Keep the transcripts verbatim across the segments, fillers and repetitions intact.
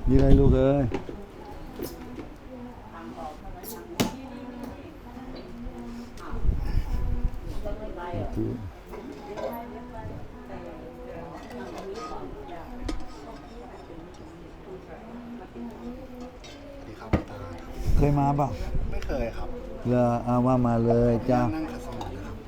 มีอะไรลูกเอ้ยดีครับตาเคยมาป่ะไม่เคยครับเลออาว่ามาเลยจ้านั่งขัดสมาธิครับ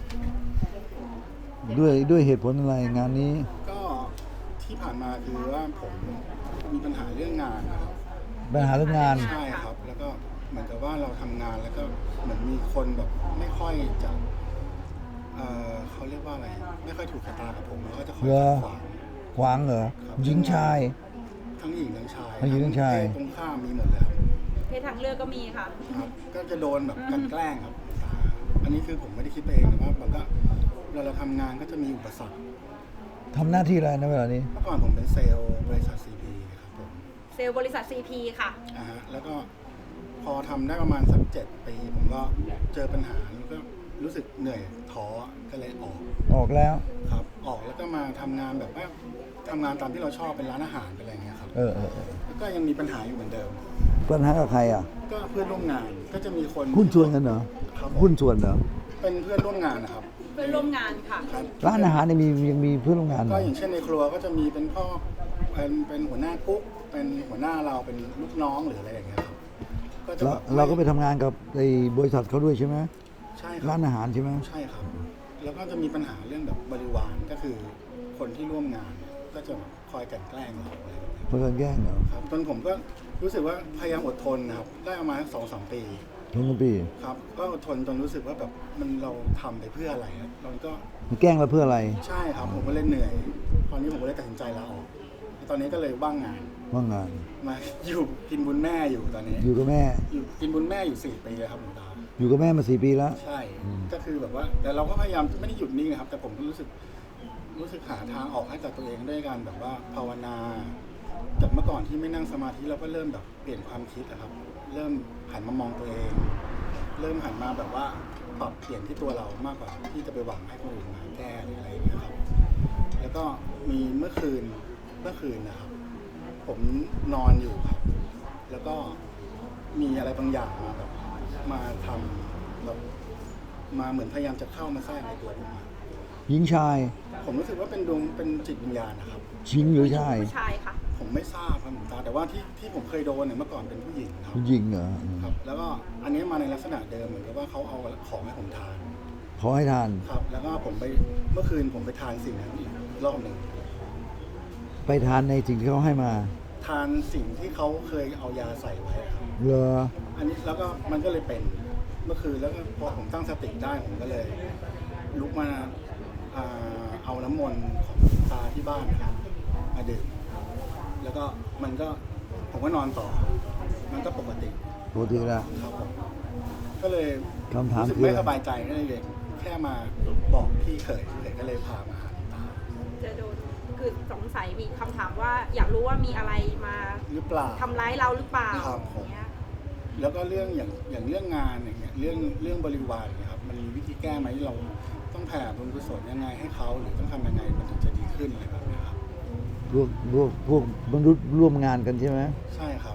ด้วยด้วยเหตุผลอะไรงานนี้ก็ที่ผ่านมาคือว่าผมมีปัญหาเรื่องงานนะครับปัญหาเรื่องงานใช่ครับ แล้วก็เหมือนกับว่าเราทำงานแล้วก็เหมือนมีคนแบบไม่ค่อยจะเอ่อเขาเรียกว่าอะไร ไม่ค่อยถูกชะตากับผมแล้วก็จะคอยเหรอขัดขวางขวางเหรอครับหญิงชายทั้งหญิงทั้งชายทั้งหญิงทั้งชายเพศตรงข้ามมีหมดเลยครับเพศทางเลือกก็มีค่ะครับ ก็จะโดนแบบกลันแกล้งครับ อันนี้คือผมไม่ได้คิดไปเองนะว่ามันก็เวลาเราทำงานก็จะมีอุปสรรคทำหน้าที่อะไรนะเวลานี้เมื่อก่อนผมเป็นเซลล์บริษัท ซี พี ครับผมเซลล์บริษัท ซี พี ค่ะอ่าฮะแล้วก็พอทำได้ประมาณสักเจ็ดปีผมก็เจอปัญหาแล้วก็รู้สึกเหนื่อยท้อก็เลยออกออกแล้วครับ ออกแล้วก็มาทำงานแบบว่าทำงานตามที่เราชอบเป็นร้านอาหารเป็นอะไรเงี้ยครับเออเออเออแล้วก็ยังมีปัญหาอยู่เหมือนเดิมปัญหากับใครอ่ะก็เพื่อนร่วมงานก็จะมีคนหุ้นส่วนกันเหรอครับผมหุ้นส่วนเหรอเป็นเพื่อนร่วมงานนะครับเพื่อนร่วมงานค่ะครับร้านอาหารเนี่ยมียังมีเพื่อนร่วมงานเหรก็ออย่างเช่นในครัวก็จะมีเป็นพ่อเป็นเป็นหัวหน้ากุ๊กเป็นหัวหน้าเราเป็นลูกน้องหรืออะไรอย่างเงี้ยครับก็จะเราแบบเราก็ไปทำงานกับไอ้บริษัทเขาด้วยใช่ไหมใช่คร้ารับนอาหารใช่ไหมใช่ครับ แล้วก็จะมีปัญหาเรื่องแบบบริวารก็คือคนที่ร่วมงานเนี่ยก็จะแบบคอยกลั่นแกล้งเราอะไรอย่างเงี้ยเพื่อนแกล้งเหรอครับจนผมก็รู้สึกว่าพยายามอดทนนะครับได้ประมาณสองสามปีทุกปีครับก็อดทนจนรู้สึกว่าแบบมันเราทำไปเพื่ออะไรครับเราก็มันแกล้งเราเพื่ออะไรใช่ครับผมก็เลยเหนื่อยตอนนี้ผมก็เลยตัดสินใจลาออกตอนนี้ก็เลยว่างงานว่างงานมาอยู่กินบุญแม่อยู่ตอนนี้อยู่กับแม่อยู่กินบุญแม่อยู่สี่ปีแล้วครับหลวงตาอยู่กับแม่มาสี่ปีแล้วใช่ ก็คือแบบว่า แต่เราก็พยายามไม่ได้หยุดนิ่งนะครับ แต่ผมก็รู้สึกรู้สึกหาทางออกให้กับตัวเองด้วยการแบบว่าภาวนาจากเมื่อก่อนที่ไม่นั่งสมาธิเราก็เริ่มแบบเปลี่ยนความคิดนะครับ เริ่มหันมามองตัวเอง เริ่มหันมาแบบว่าปรับเปลี่ยนที่ตัวเรามากกว่าที่จะไปหวังให้คนอื่นมาแก้หรืออะไรอย่างเงี้ยครับ แล้วก็มีเมื่อคืนเมื่อคืนนะครับ ผมนอนอยู่ครับ แล้วก็มีอะไรบางอย่างมาแบบมาทำแบบมาเหมือนพยายามจะเข้ามาแทรกในตัวผมอะหญิงชายผมรู้สึกว่าเป็นดวงเป็นจิตวิญญาณนะครับหญิงหรือชายผู้ชายค่ะผมไม่ทราบครับหลวงตาแต่ว่าที่ที่ผมเคยโดนเนี่ยเมื่อก่อนเป็นผู้หญิงครับหญิงเหรอครับ แล้วก็อันนี้มาในลักษณะเดิมเหมือนกับว่าเขาเอาของให้ผมทานขอให้ทานครับ แล้วก็ผมไปเมื่อคืนผมไปทานสิ่งนั้นอีกรอบหนึ่งไปทานในสิ่งที่เขาให้มาทานสิ่งที่เขาเคยเอายาใส่ไว้อะครับเหรออันนี้แล้วก็มันก็เลยเป็นเมื่อคืนแล้วก็พอผมตั้งสติได้ผมก็เลยลุกมาอ่าเอาน้ำมนต์ของตาที่บ้านนะครับมาดื่มแล้วก็มันก็ผมก็นอนต่อ มันก็ปกติปกติแล้วครับผมก็เลยคำถามรู้สึกคือไม่สบายใจก็เลยแค่มาบอกพี่เขยเขยก็เลยพามาหาหลวงตาจะโดนคือสงสัยมีคำถามว่าอยากรู้ว่ามีอะไรมาหรือเปล่าทำร้ายเราหรือเปล่าครับผมอย่างเงี้ยแล้วก็เรื่องอย่างอย่างเรื่องงานอย่างเงี้ยเรื่องเรื่องบริวารเนี่ยครับมันมีวิธีแก้ไหมเราต้องแผ่บุญกุศลยังไงให้เขาหรือต้องทำยังไงมันถึงจะดีขึ้นอะไรแบบเนี้ยครับพวกพวกพวกมนุษย์ร่วมงานกันใช่ไหมใช่ครับ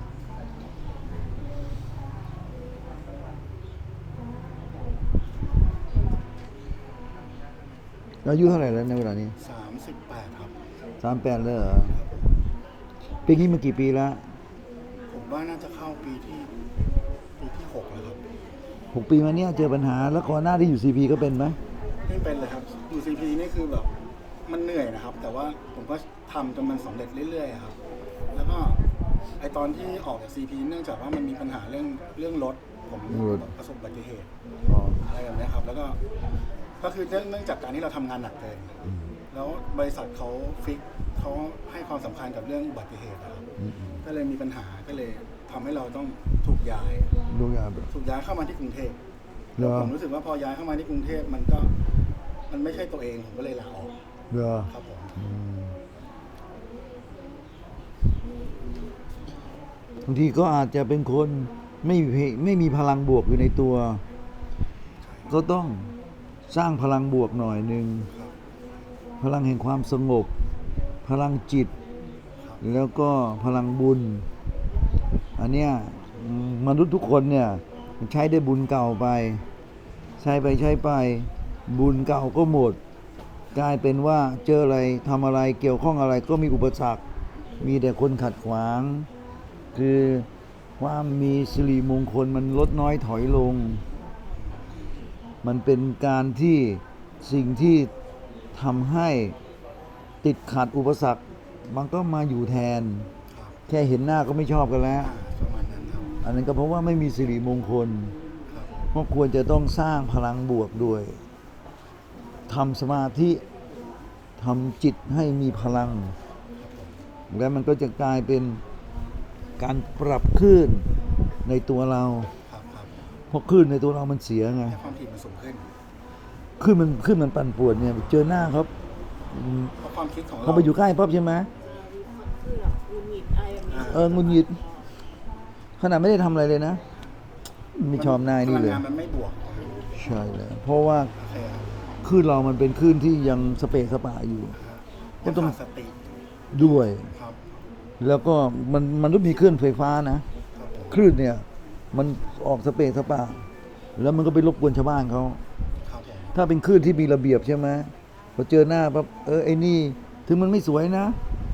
อายุเท่าไหร่แล้วในเวลานี้สามสิบแปดครับสามแปดแล้วเหรอปีนี้มากี่ปีแล้วผมว่าน่าจะเข้าปีที่ปีที่หกแล้วครับหกปีมาเนี้ยเจอปัญหาแล้วก่อนหน้าที่อยู่ซีพีก็เป็นไหมไม่เป็นเลยครับอยู่ซีพีนี่คือแบบมันเหนื่อยนะครับ แต่ว่าผมก็ทำจนมันสำเร็จเรื่อยๆครับ แล้วก็ไอตอนที่ออกจากซีพีเนื่องจากว่ามันมีปัญหาเรื่องเรื่องรถผมประสบอุบัติเหตุอ๋ออะไรแบบนี้ครับ แล้วก็ก็คือเนื่องเนื่องจากการที่เราทำงานหนักเกินอืมแล้วบริษัทเขาฟิกเขาให้ความสำคัญกับเรื่องอุบัติเหตุนะครับอืมอืมก็เลยมีปัญหาก็เลยทำให้เราต้องถูกย้ายดูงานแบบถูกย้ายเข้ามาที่กรุงเทพเหรอผมรู้สึกว่าพอย้ายเข้ามาที่กรุงเทพมันก็มันไม่ใช่ตัวเองผมก็เลยลาออกเหรอครับผมอืมบางทีก็อาจจะเป็นคนไม่มีไม่มีพลังบวกอยู่ในตัว ก็ต้องสร้างพลังบวกหน่อยหนึ่งครับพลังแห่งความสงบ พลังจิตครับแล้วก็พลังบุญ อันเนี้ยอืมมนุษย์ทุกคนเนี่ยใช้ได้บุญเก่าไป ใช้ไปใช้ไปบุญเก่าก็หมด กลายเป็นว่าเจออะไรทำอะไรเกี่ยวข้องอะไรก็มีอุปสรรค มีแต่คนขัดขวาง คือความมีสิริมงคลมันลดน้อยถอยลง มันเป็นการที่สิ่งที่ทำให้ติดขัดอุปสรรค มันก็มาอยู่แทนครับแค่เห็นหน้าก็ไม่ชอบกันแล้วอ่าประมาณนั้นครับอันนั้นก็เพราะว่าไม่มีสิริมงคลครับเพราะควรจะต้องสร้างพลังบวกด้วยทำสมาธิทำจิตให้มีพลัง แล้วมันก็จะกลายเป็นการปรับคลื่นในตัวเราครับครับเพราะคลื่นในตัวเรามันเสียไงให้ความถี่มันสูงขึ้นคลื่นมันคลื่นมันปั่นป่วนเนี่ยเจอหน้าเขาอืมเพราะความคิดของเราเขาไปอยู่ใกล้ปั๊บใช่ไหมคือแบบหงุดหงิดอะไรแบบนี้เออหงุนหงิดขนาดไม่ได้ทำอะไรเลยนะ ไม่ชอบหน้านี่เลยพลังงานมันไม่บวกใช่เลยเพราะว่าโอเคครับคลื่นเรามันเป็นคลื่นที่ยังสเปะสปะอยู่ ก็ก็ต้ต้ออง งสติด้วยครับแล้วก็มันมันต้องมีคลื่นไฟฟ้านะครับผมคลื่นเนี่ยมันออกสเปะสปะแล้วมันก็ไปรบกวนชาวบ้านเขาครับผมถ้าเป็นคลื่นที่มีระเบียบใช่ไหมพอเจอหน้าปั๊บเออไอ้นี่ถึงมันไม่สวยนะ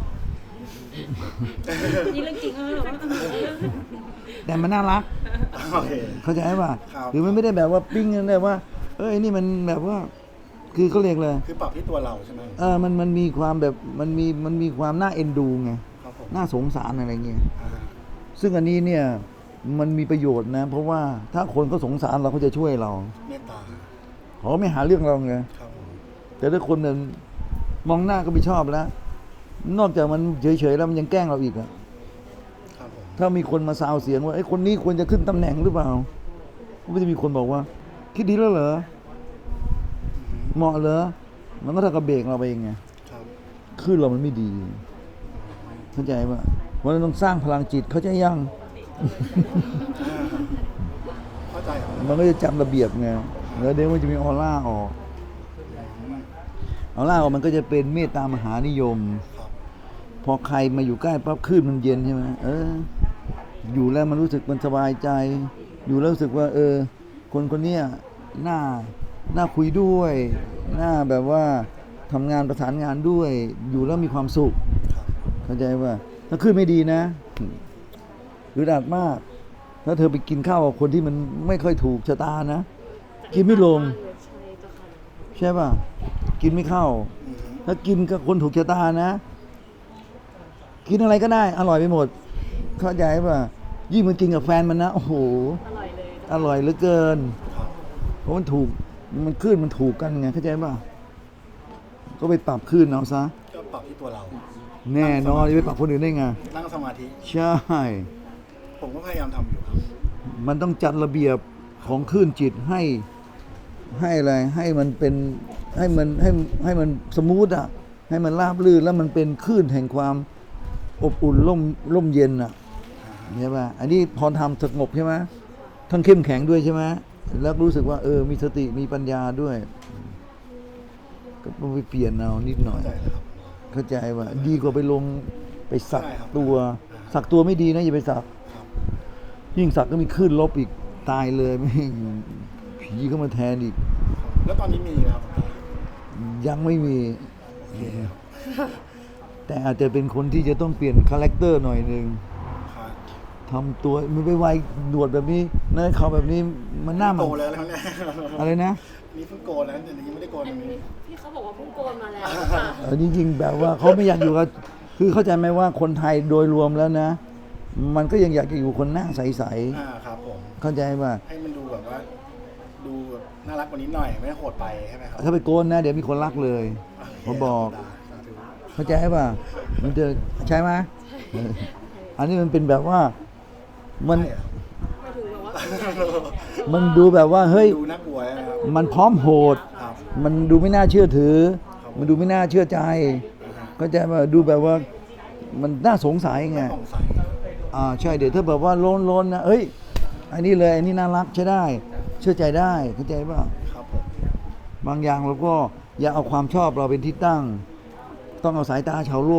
นี่เรื่องจริงเออแต่มันน่ารักโอเคเข้าใจป่ะครับหรือมันไม่ได้แบบว่าปิ้งกันเลยว่า เออไอ้นี่มันแบบว่า คือเขาเรียกเลยคือปรับที่ตัวเราใช่ไหมเออมันมันมีความแบบมันมีมันมีความน่าเอ็นดูไงครับผมน่าสงสารอะไรเงี้ยอ่าซึ่งอันนี้เนี่ยมันมีประโยชน์นะ เพราะว่าถ้าคนเขาสงสารเราเขาจะช่วยเราเมตตาเขาไม่หาเรื่องเราไงครับผมแต่ถ้าคนเนี่ยมองหน้าก็ไม่ชอบแล้ว นอกจากมันเฉยๆแล้วมันยังแกล้งเราอีกอะครับผมถ้ามีคนมาซาวเสียงว่าไอ้ยคนนี้ควรจะขึ้นตำแหน่งหรือเปล่าก็จะมีคนบอกว่า คิดดีแล้วเหรออือฮึเหมาะเหรอมันก็เท่ากับเบรกเราไปเองไงครับขึ้นเรามันไม่ดี เข้าใจป่ะเพราะฉะนั้นต้องสร้างพลังจิตเข้าใจยังอ่าเข้าใจครับมันก็จะจำระเบียบไงแล้วเดี๋ยวมันจะมีออร่าออกอืมออร่าออกมันก็จะเป็นเมตตามหานิยมครับพอใครมาอยู่ใกล้ปั๊บคลื่นมันเย็นใช่ไหมเออ อยู่แล้วมันรู้สึกมันสบายใจ อยู่แล้วรู้สึกว่า เออ คนคนเนี้ยน่าน่าคุยด้วย น่าแบบว่าทำงานประสานงานด้วย อยู่แล้วมีความสุขครับเข้าใจว่าถ้าขึ้นไม่ดีนะอึดอัดมาก ถ้าเธอไปกินข้าวกับคนที่มันไม่ค่อยถูกชะตานะ กินไม่ลงใช่เจ้าค่ะใช่ป่ะ กินไม่เข้าอือฮึถ้ากินกับคนถูกชะตานะ กินอะไรก็ได้ อร่อยไปหมด เข้าใจป่ะ ยิ่งมันกินกับแฟนมันนะ โอ้โหอร่อยเลยอร่อยเหลือเกินครับเพราะมันถูก มันคลื่นมันถูกกันไง เข้าใจป่ะ ก็ไปปรับคลื่นเอาซะก็ปรับที่ตัวเราแน่นอนจะไปปรับคนอื่นได้ไงนั่งสมาธิใช่ผมก็พยายามทำอยู่ครับมันต้องจัดระเบียบของคลื่นจิตให้ให้อะไรให้มันเป็นให้มันให้ให้มันสมูทอ่ะให้มันราบรื่นแล้วมันเป็นคลื่นแห่งความอบอุ่นร่มร่มเย็นอ่ะใช่ป่ะอันนี้พอทำสงบใช่ไหมทั้งเข้มแข็งด้วยใช่ไหมแล้วรู้สึกว่าเออมีสติมีปัญญาด้วย ก็ต้องไปเปลี่ยนเอานิดหน่อยเข้าใจแล้วครับเข้าใจว่าดีกว่าไปลงไปสักใช่ครับตัว สักตัวไม่ดีนะอย่าไปสักครับยิ่งสักก็มีคลื่นลบอีกตายเลยไม่งผีเข้ามาแทนอีกแล้วตอนนี้มีไหมครับยังไม่มีโอเคแต่อาจจะเป็นคนที่จะต้องเปลี่ยนคาแรคเตอร์หน่อยหนึ่งครับทำตัวมันไปไวหนวดแบบนี้เนื้อเขาแบบนี้มันหน้ามันโกนแล้วแล้วเนี่ยอะไรนะนี่เพิ่งโกนแล้วแต่ยังไม่ได้โกนอันเลยนี้พี่เขาบอกว่าเพิ่งโกนมาแล้วค่ะเออจริงๆแบบว่าเขาไม่อยากอยู่กับคือเข้าใจไหมว่าคนไทยโดยรวมแล้วนะ มันก็ยังอยากจะอยู่คนหน้าใสอ่าครับผมๆเข้าใจป่ะให้มันดูแบบว่า ดูแบบน่ารักกว่านี้หน่อย ไม่โหดไปใช่ไหมครับถ้าไปโกนนะ เดี๋ยวมีคนรักเลยเขาบอกสาธุเข้าใจป่ะ มันจะใช่ไหมเอออันนี้มันเป็นแบบว่า มันใช่อะหมายถึงแบบว่ามันดูแบบว่า เฮ้ยดูน่ากลัวนะครับมันพร้อมโหดครับมันดูไม่น่าเชื่อถือครับมันดูไม่น่าเชื่อใจนะฮะเข้าใจป่ะดูแบบว่า มันน่าสงสัยไงสงสัยอ่า ใช่ เดี๋ยวถ้าแบบว่าโล้นโลนนะเอ้ย อันนี้เลย อันนี้น่ารักใช้ได้ เชื่อใจได้ เข้าใจป่ะครับผมบางอย่างเราก็อย่าเอาความชอบเราเป็นที่ตั้ง ต้องเอาสายตาชาวโลก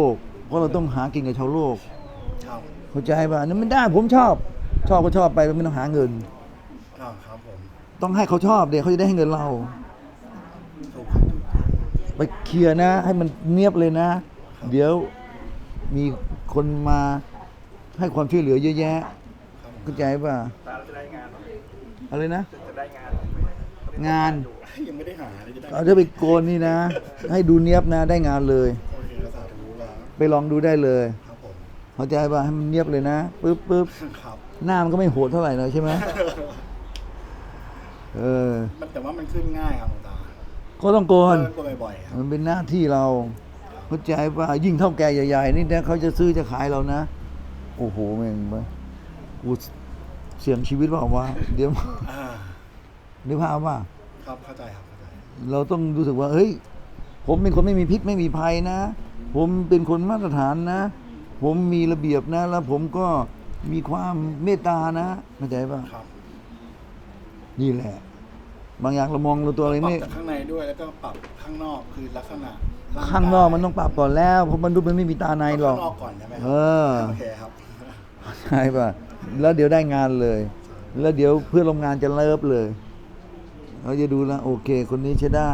เพราะเราต้องหากินกับชาวโลกครับเข้าใจป่ะนั่นไม่ได้ผมชอบ ชอบก็ชอบไปไม่ต้องหาเงินอ่าครับผมต้องให้เขาชอบเดี๋ยวเขาจะได้ให้เงินเราถูกครับถูกไปเคลียร์นะ ให้มันเนียบเลยนะ เดี๋ยวมีคนมาให้ความช่วยเหลือเยอะแยะครับผมเข้าใจป่ะตาจะได้งานไหมอะไรนะจะได้งานงานยังไม่ได้หาเลยจะได้เอาถ้าไปโกนนี่นะ ให้ดูเนียบนะ ได้งานเลยโอเคภาษาทูแล้วไปลองดูได้เลยครับผมเข้าใจป่ะให้มันเนียบเลยนะปึ๊บปึ๊บครับหน้ามันก็ไม่โหดเท่าไหร่นะใช่ไหมเออมันแต่ว่ามันขึ้นง่ายครับหลวงตาก็ต้องโกนเลิกบ่อยๆครับมันเป็นหน้าที่เราเข้าใจป่ะยิ่งเท่าแก่ใหญ่ๆนี่นะเขาจะซื้อจะขายเรานะ โอ้โหแม่งปะกูเสี่ยงชีวิตเปล่าวะเดี๋ยวอ่านึกภาพว่าครับเข้าใจครับเข้าใจเราต้องรู้สึกว่าเฮ้ย ผมเป็นคนไม่มีพิษไม่มีภัยนะ ผมเป็นคนมาตรฐานนะ ผมมีระเบียบนะ แล้วผมก็มีความเมตตานะเข้าใจป่ะครับนี่แหละ บางอย่างเรามองเราตัวอะไรปรับไม่จากข้างในด้วยแล้วก็ปรับข้างนอกคือลักษณะร่ข้างนอกมันต้องปรับก่อนแล้วเพราะมันดูมันไม่มีตาในหรอกข้างนอกก่อนใช่ไหมครัเออโอเคครับใช่ป่ะ แล้วเดี๋ยวได้งานเลย แล้วเดี๋ยวเพื่อนร่วมงานจะเลิฟเลยเราจะดูแลวโอเค คนนี้ใช้ได้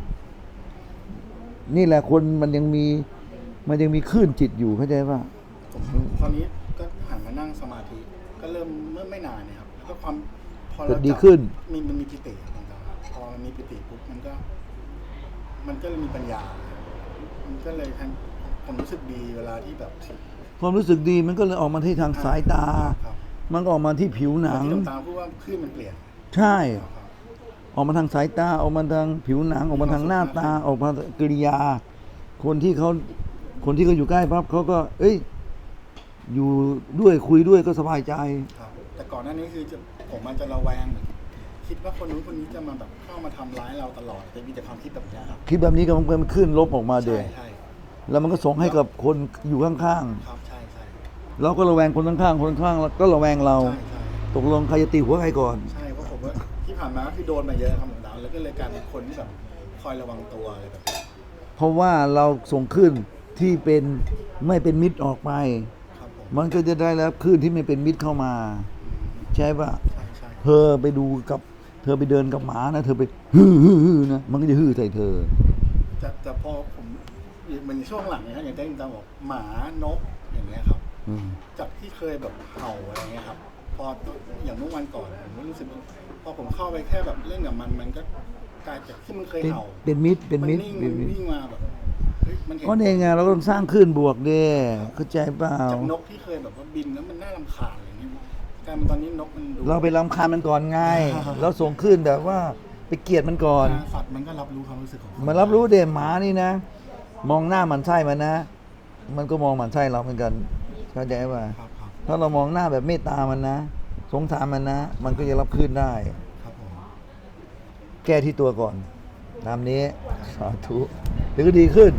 นี่แหละคนมันยังมี มันยังมีคลื่นจิตอยู่เข้าใจป่ะผมตอนนี้ก็หันมานั่งสมาธิก็เริ่มเมื่อไม่นานเนี่ยครับแล้วก็ความพอเราจะดีขึ้นมีมันมีปิติครับหลวงตาพอมันมีปิติปุ๊บมันก็ มันก็เลยมีปัญญา มันก็เลยทำผมรู้สึกดีเวลาที่แบบความรู้สึกดีมันก็เลยออกมาที่ทางสายตาครับมันก็ออกมาที่ผิวหนังที่หลวงตาพูดว่าคลื่นมันเปลี่ยนใช่ครับออกมาทางสายตา ออกมาทางผิวหนัง ออกมาทางหน้าตา ออกมากิริยา คนที่เขาคนที่เขาอยู่ใกล้ปั๊บเขาก็ เอ้ย อยู่ด้วยคุยด้วยก็สบายใจครับ แต่ก่อนหน้านี้คือจะผมมันจะระแวงคิดว่าคนนู้นคนนี้จะมาแบบเข้ามาทำร้ายเราตลอดแต่มีแต่ความคิดแบบเนี้ยครับคิดแบบนี้ก็มันขึ้นลบออกมาเดใช่ยใช่แล้วมันก็ส่งให้กับคนอยู่ข้างครับใช่ใช่ๆ เราก็ระแวงคนข้างๆ คนข้างๆก็ระแวงเราใช่ใช่ตกลงใครจะตีหัวใครก่อนใช่เพราะผมว่าที่ผ่านมาก็คือโดนมาเยอะครับหลวงตาแล้วก็เลยกลายเป็นคนที่แบบคอยระวังตัวอะไรแบบนี้เพราะว่าเราส่งขึ้นที่เป็นไม่เป็นมิตรออกไปครับผมมันก็จะได้รับคลื่นที่ไม่เป็นมิตรเข้ามา ใช่ปะใช่ใช่เธอไปดูกับ เธอไปเดินกับหมานะ เธอไปฮือฮือฮือนะ มันก็จะฮือใส่เธอแต่แต่พอผมมันช่วงหลังนะครับอย่างที่หลวงตาบอกหมานกอย่างเงี้ยครับอืมจากที่เคยแบบเห่าอะไรเงี้ยครับ พออย่างเมื่อวันก่อนผมก็รู้สึกว่าพอผมเข้าไปแค่แบบเล่นกับมันมันก็กลายจากที่มันเคยเป็นเห่าเป็นมิตร เป็นมันมิตรนิ่งเป็มัน นมิตรวิ่งมาแบบเฮ้ยมันเห็นเพราะในไงเราก็ต้องสร้างคลื่นบวกเด้เข้าใจเปล่าจากนกที่เคยแบบว่าบินแล้วมันน่ารำคาญอะไรเงี้ยกลายเป็นตอนนี้นกมันดูเราไปรำคาญมันก่อนไง เราส่งคลื่นแบบว่าไปเกลียดมันก่อนสัตว์มันก็รับรู้ความรู้สึกของมันรับรู้เด่หมานี่นะ มองหน้ามันไส้มันนะ มันก็มองมันไส้เราเหมือนกันเข้าใจป่ะครับครับถ้าเรามองหน้าแบบเมตตามันนะ สงสารมันนะ มันก็จะรับคลื่นได้ครับผมแก้ที่ตัวก่อนตามนี้สาธุเดี๋ยวก็ดีขึ้น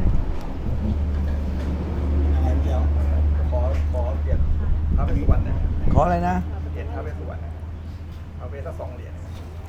อะไรเดียวขอขอเปลี่ยนพระเวสสุวรรณนะขออะไรนะเปลี่ยนพระเวสสุวรรณนะพระเวสสักสองเหรียญ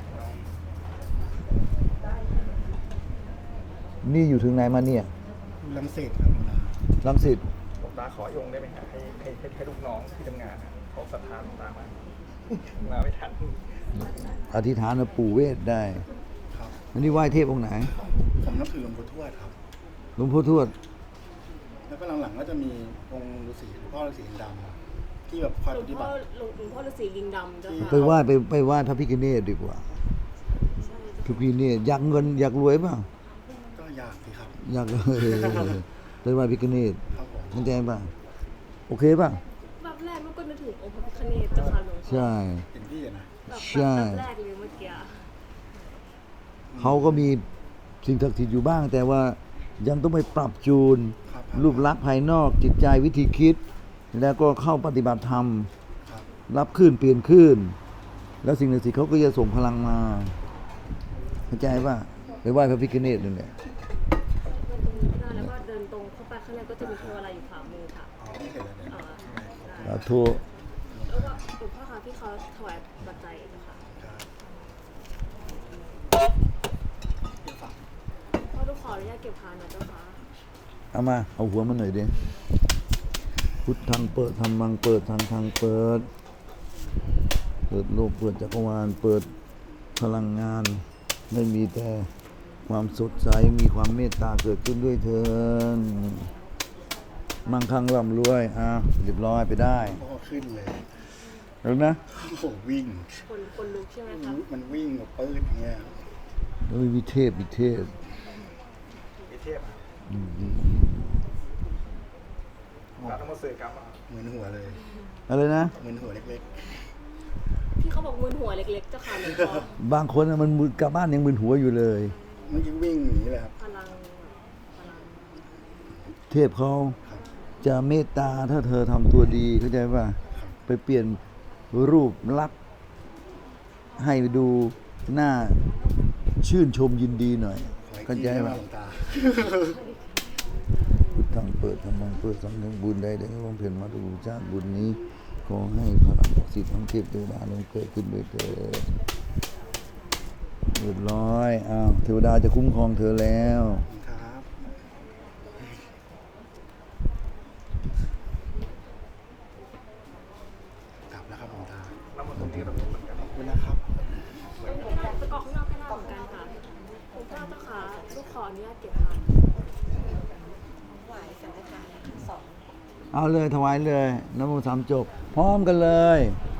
นี่อยู่ถึงไหนมาเนี่ยลังเศษครับคุณตารังสิตหลวงตาขออยงได้ไหมฮะให้ให้ให้ให้ลูกน้องที่ทำงานนะเขาศรัทธาหลวงตามามาไม่ทันอธิษฐานกับปู่เวทได้ครับอันนี้ไหว้เทพองค์ไหนผมนับถือหลวงปู่ทวดครับหลวงพ่อทวดแล้วก็หลังๆก็จะมีองค์ฤาษีหลวงพ่อฤาษีดำครับที่แบบคอยหลปวงฏิพ่บัอติหลวงพ่อฤาษีลิงดำเจ้าไปค่ะไหว้ไปไปไหว้พระพิฆเนศดีกว่าใช่พระพิฆเนศอยากเงินอยากรวยเปล่าก็อยากสิครับอยาก ไปไหว้พิฆเนศครับผมเข้าใจป่ะโอเคป่ะแบบแรกมันก็นึกถึงองค์พระพิฆเนศเจ้าค่ะหลวงพ่อใช่เห็นพี่อะนะแบบใช่แบบแรกเลยเมื่อกี้เขาก็มีสิ่งศักดิ์สิทธิ์อยู่บ้าง แต่ว่ายังต้องไปปรับจูนครับรูปลักษณ์ภายนอกจิตใจวิธีคิด แล้วก็เข้าปฏิบัติธรรมครับรับขึ้นเปลี่ยนขึ้น แล้วสิ่งศักดิ์สิทธิ์เขาก็จะส่งพลังมาเข้าใจป่ะไปไหว้พระพิฆเนศนั่นแหละเดินตรงนี้ก็ได้แล้วก็เดินตรงเข้าไปข้างในก็จะมีเทวอะไรอยู่ขวามือค่ะอ๋อไม่เห็นเลยเนี่ยเอ่อสาธุแล้วก็หลวงพ่อคะที่เขาถวายปัจจัยเจ้าค่ะครับเดี๋ยวฝากพ่อต้องขออนุญาตเก็บพานนะเจ้าค่ะเอามาเอาหัวมันหน่อยดิคพุทธังเปิดธรรมังเปิดทางทางเปิด เปิดโลกเปิดจักรวาลเปิดพลังงาน ไม่มีแต่ความสดใสมีความเมตตาเกิดขึ้นด้วยเถิดมั่งคั่งร่ำรวยอ่ะเรียบร้อยไปได้พ่อขึ้นเลยแล้วนะโอ้โหวิ่งคนคนลุกใช่ไหมคะมันวิ่งแบบปื้ดอย่างเงี้ยเฮ้ยวิเทพวิเทพมีเทพอะเราต้องมาสื่อกรรมอะเหมือนหัวเลยอะไรนะเหมือนหัวเล็กที่เขาบอกมึนหัวเล็กๆเจ้าค่ะหลวงพ่อบางคนน่ะมันมึนกลับบ้านยังมึนหัวอยู่เลยๆเมื่อกี้วิ่งหนีเลยครับพลังพลังเทพเขาจะเมตตาถ้าเธอทำตัวดีเข้าใจป่ะไปเปลี่ยนรูปลักษณ์ให้ดูหน้าชื่นชมยินดีหน่อยขออีกเข้าทีใจได้ไหมป่ะหลวงตาพุทธังเปิดธรรมังเปิดสังฆังบุญใดได้ลงเพียรมาดูชาติบุญนี้ ขอให้พลังศักดิ์สิทธิ์ทั้งเทพเทวดาลงเกิดขึ้นด้วยเถิดเรียบร้อยอ้าวเทวดาจะคุ้มครองเธอแล้วครับ กลับแล้วครับหลวงตาแล้วหมดตรงนี้ก็ต้องเหมือนกันขอบคุณนะครับไม่ได้ไปกรอกข้างนอกก็ได้เหมือนกันค่ะหลวงพ่อเจ้าค่ะลูกขออนุญาตเก็บค่ะเอาเลยถวายเลยน้ำมันต์สามจบ พร้อมกันเลย